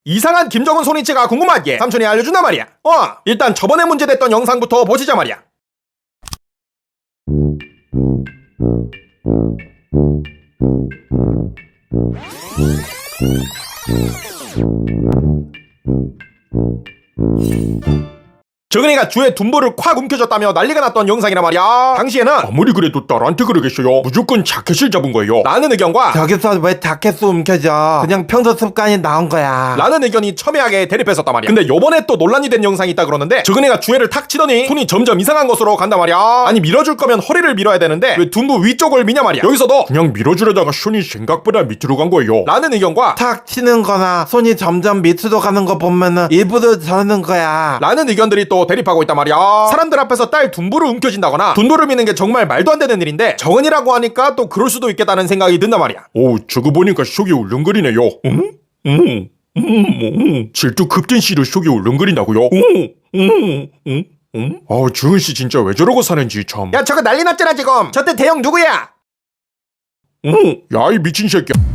이상한 김정은 손이치가 궁금하기에 삼촌이 알려준단 말이야. 일단 저번에 문제됐던 영상부터 보시자 말이야. 정은이가 주에 둔보를 콱 움켜줬다며 난리가 났던 영상이란 말이야. 당시에는 아무리 그래도 딸한테 그러겠어요. 무조건 자켓을 잡은 거예요. 라는 의견과 저기서 왜 자켓을 움켜줘? 그냥 평소 습관이 나온 거야. 라는 의견이 첨예하게 대립했었단 말이야. 근데 요번에 또 논란이 된 영상이 있다 그러는데 정은이가 주애를 탁 치더니 손이 점점 이상한 것으로 간단 말이야. 아니 밀어줄 거면 허리를 밀어야 되는데 왜 둔부 위쪽을 미냐 말이야. 여기서도 그냥 밀어주려다가 손이 생각보다 밑으로 간 거예요. 라는 의견과 탁 치는 거나 손이 점점 밑으로 가는 거 보면은 일부러 저러는 거야. 라는 의견들이 또 대립하고 있단 말이야. 사람들 앞에서 딸 둔부를 움켜쥔다거나 둔부를 미는 게 정말 말도 안 되는 일인데 정은이라고 하니까 또 그럴 수도 있겠다는 생각이 든단 말이야. 오, 저거 보니까 속이 울렁거리네요. 질투 급진시로 속이 울렁거린다고요? 정은씨 진짜 왜 저러고 사는지 참. 야, 저거 난리 났잖아 지금. 저때 대형 누구야? 야, 이 미친 새끼야.